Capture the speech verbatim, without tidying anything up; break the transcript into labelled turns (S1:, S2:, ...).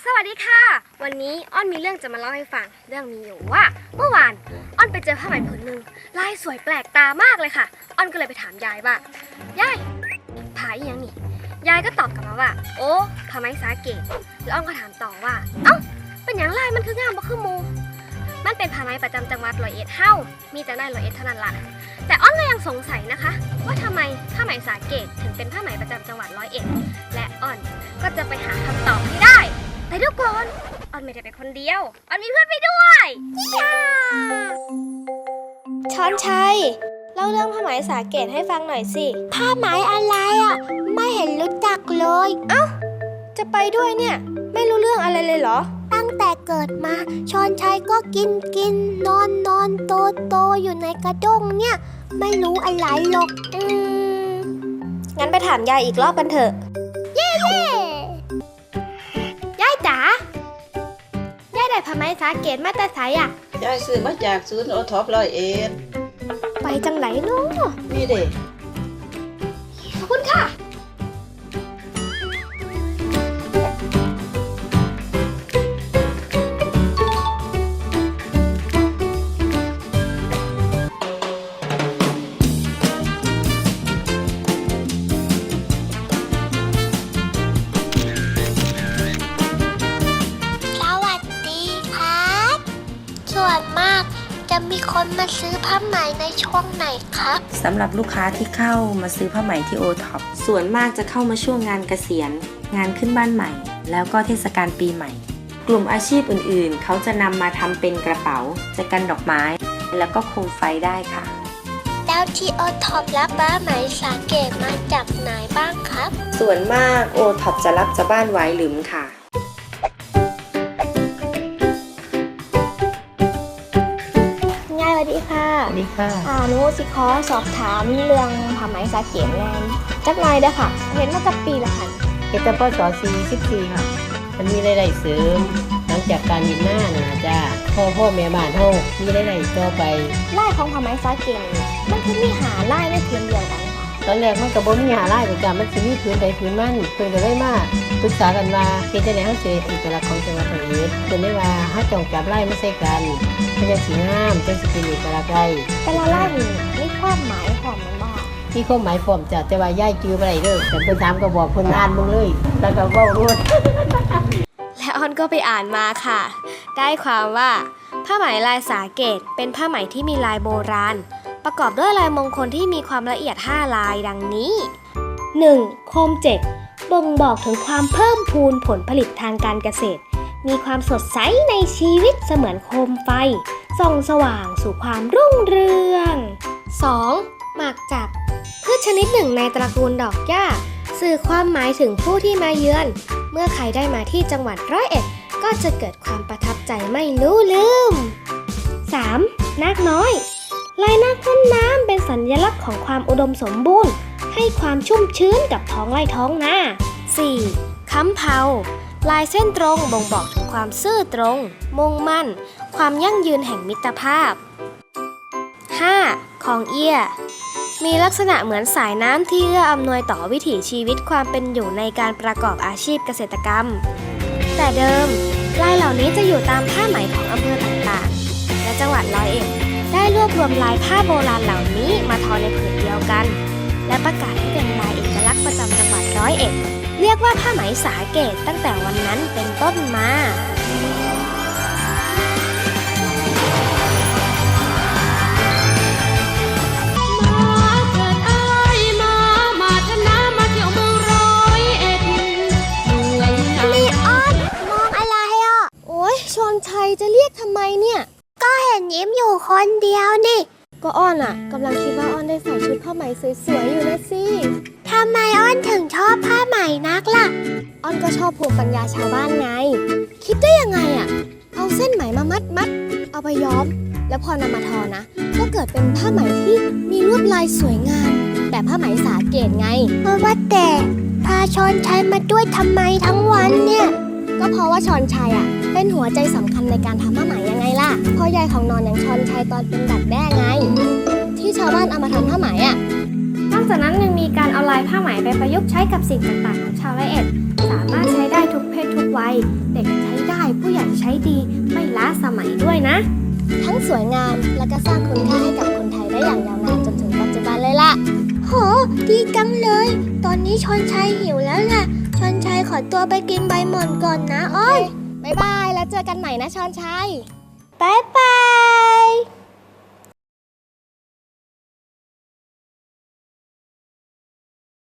S1: สวัสดีค่ะวันนี้อ้อนมีเรื่องจะมาเล่าให้ฟังเรื่องมีอยู่ว่าเมื่อวานอ้อนไปเจอผ้าไหมผืนหนึ่งลายสวยแปลกตามากเลยค่ะอ้อนก็เลยไปถามยายว่ายายผ้าอีหยังนี่ยายก็ตอบกลับมาว่าโอ้ผ้าไหมสาเกตแล้วอ้อนก็ถามต่อว่าเอ้าเป็นอย่างไรมันคืองามบ่คือหมู่มันเป็นผ้าไหมประจำจังหวัดร้อยเอ็ดเฮ้ามีแต่ในร้อยเอ็ดเท่านั้นล่ะแต่อ้อนก็ยังสงสัยนะคะว่าทำไมผ้าไหมสาเกตถึงเป็นผ้าไหมประจำจังหวัดร้อยเอ็ดและอ้อนก็จะไปหาคำตอบให้ได้แต่เดี๋ยวก่อนอ้อนไม่ได้ไปคนเดียวอ้อนมีเพื่อนไปด้วยช้อนชัยเล่าเรื่องผ้าไหมสาเกตให้ฟังหน่อยสิ
S2: ผ้าไหมอะไรอ่ะไม่เห็นรู้จักเลย
S1: เอ้าจะไปด้วยเนี่ยไม่รู้เรื่องอะไรเลยเหรอ
S2: ตั้งแต่เกิดมาชอนชัยก็กินกินนอนนอนโตโตอยู่ในกระด้งเนี่ยไม่รู้อะไรหรอก
S1: อืมงั้นไปถามยายอีกรอบกันเถอะ
S2: เย้เย้
S1: ยายจ๋ายายได้ผ้าไหมสาเกตมาแต่ไสอ่ะ
S3: ยายซื้อมาจากศูนย์โอท็อปร้อยเอ็ด
S1: ไปจังไหนเนาะ
S3: นี่เด็ก
S1: ขอบคุณค่ะ
S2: ส่วนมากจะมีคนมาซื้อผ้าไหมในช่วงไหนครับ
S4: สำหรับลูกค้าที่เข้ามาซื้อผ้าไหมที่โอท็อปส่วนมากจะเข้ามาช่วงงานเกษียณงานขึ้นบ้านใหม่แล้วก็เทศกาลปีใหม่กลุ่มอาชีพอื่นๆเขาจะนำมาทำเป็นกระเป๋าแจกันดอกไม้แล้วก็โคมไฟได้ค่ะ
S2: แล้วที่โอท็อปรับผ้าไหมสาเกตมาจากไหนบ้างครับ
S4: ส่วนมากโอท็อปจะรับจากบ้านหวายหลุมค่ะ
S1: สวัสดีค่ะ
S3: สวัสดีค่ะ
S1: อ่าหนูสิขอสอบถามเรื่องผ้าไหมสาเกตงานจักหน่อยเด้อค่ะเห็นมาจากปีละค่ะ
S3: เฮ็ดแต่พศสี่สิบสี่ค่ะมันมีรายได้เสริมหลังจากการยินหน้านะจ้าพ่อพ่อแม่บ้านเฮามีรายได้ต่อไป
S1: ลายของผ้าไหมสาเกตมันคือมีหาลายในพื้นเดียวกันค่ะ
S3: ตอนแรกมันก็บ่มีหาลายจ้ามันสิมีพื้นใดพื้นมันเพิ่นก็เลยมาปรึกษากันว่าเฮ็ดจังได๋เฮาสิเอกลักษณ์ของจังหวัดร้อยเอ็ดเพิ่นได้ว่าเฮาต้องจับลายมาใส่กันมันจะสีงามจังสิเป็นเอกลักษณ์ได้
S1: แต่ละลายนี่มีความหมายของมันบ่
S3: มีความหมายพร้อมจ้ะแต่ว่ายายจื้อบ่ได้เด้อแต่เพิ่นถามก็บอกเพิ่นอ่านมึงเลยแล้วก็เว้ารวด
S1: และออนก็ไปอ่านมาค่ะได้ความว่าผ้าไหมลายสาเกตเป็นผ้าไหมที่มีลายโบราณประกอบด้วยลายมงคลที่มีความละเอียดห้าลายดังนี้ หนึ่ง. โคมเจ็กบ่งบอกถึงความเพิ่มพูนผลผลิตทางการเกษตรมีความสดใสในชีวิตเสมือนโคมไฟส่องสว่างสู่ความรุ่งเรือง สอง. หมากจับพืชชนิดหนึ่งในตระกูลดอกหญ้าสื่อความหมายถึงผู้ที่มาเยือนเมื่อใครได้มาที่จังหวัดร้อยเอ็ดก็จะเกิดความประทับใจไม่รู้ลืม สาม. นาคน้อยลายนาคพ่นน้ำเป็นสัญลักษณ์ของความอุดมสมบูรณ์ให้ความชุ่มชื้นกับท้องไร่ท้องนา สี่. ค้ำเผาลายเส้นตรงบ่งบอกถึงความซื่อตรงมุ่งมั่นความยั่งยืนแห่งมิตรภาพ ห้า. ของเอี้ยมีลักษณะเหมือนสายน้ำที่เอื้ออำนวยต่อวิถีชีวิตความเป็นอยู่ในการประกอบอาชีพเกษตรกรรมแต่เดิมลายเหล่านี้จะอยู่ตามผ้าไหมของอำเภอต่างๆและจังหวัดร้อยเอ็ดได้รวบรวมลายผ้าโบราณเหล่านี้มาทอในผืนเดียวกันและประกาศให้เป็นลายเอกลักษณ์ประจำจังหวัดร้อยเอ็ดเรียกว่าผ้าไหมสาเกตตั้งแต่วันนั้นเป็นต้นมาชอนชัยจะเรียกทำไมเนี่ย
S2: ก็เห็นยิ้มอยู่คนเดียวนี่
S1: ก็อ้อนอ่ะกำลังคิดว่าอ้อนได้ใส่ชุดผ้าไหมสวยๆอยู่นะสิ
S2: ทำไมอ้อนถึงชอบผ้าไหมนักล่ะ
S1: อ้อนก็ชอบภูมิปัญญาชาวบ้านไงคิดได้ยังไงอ่ะเอาเส้นไหมมามัดมัดเอาไปย้อมแล้วพอนำมาทอนะก็เกิดเป็นผ้าไหมที่มีลวดลายสวยงามแบบผ้าไหมสาเกตไง
S2: เพราะว่าแต่พาชอนชัยมาด้วยทำไมทั้งวันเนี่ย
S1: ก็เพราะว่าชอนชัยอ่ะเป็นหัวใจสำคัญในการทำผ้าไหมยังไงล่ะพ่อยายของนอนอย่างชอนชัยตอนเป็นดักแด้ไงที่ชาวบ้านเอามาทำผ้าไหมอ่ะนอกจากนั้นยังมีการเอาลายผ้าไหมไปประยุกต์ใช้กับสิ่งต่างๆของชาวร้อยเอ็ดสามารถใช้ได้ทุกเพศทุกวัย เด็กใช้ได้ผู้ใหญ่ใช้ดีไม่ล้าสมัยด้วยนะ
S2: ทั้งสวยงามและก็สร้างคุณค่าให้กับคนไทยได้อย่างยาวนานจนถึงปัจจุบันเลยล่ะโหดีจังเลย ตอนนี้ชอนชัยหิวแล้วแหละชอนชัยขอตัวไปกินใบหม่อนก่อนนะอ้อยบ๊ายบายแล้วเจอกันใหม่นะชอนชัยบ๊ายบ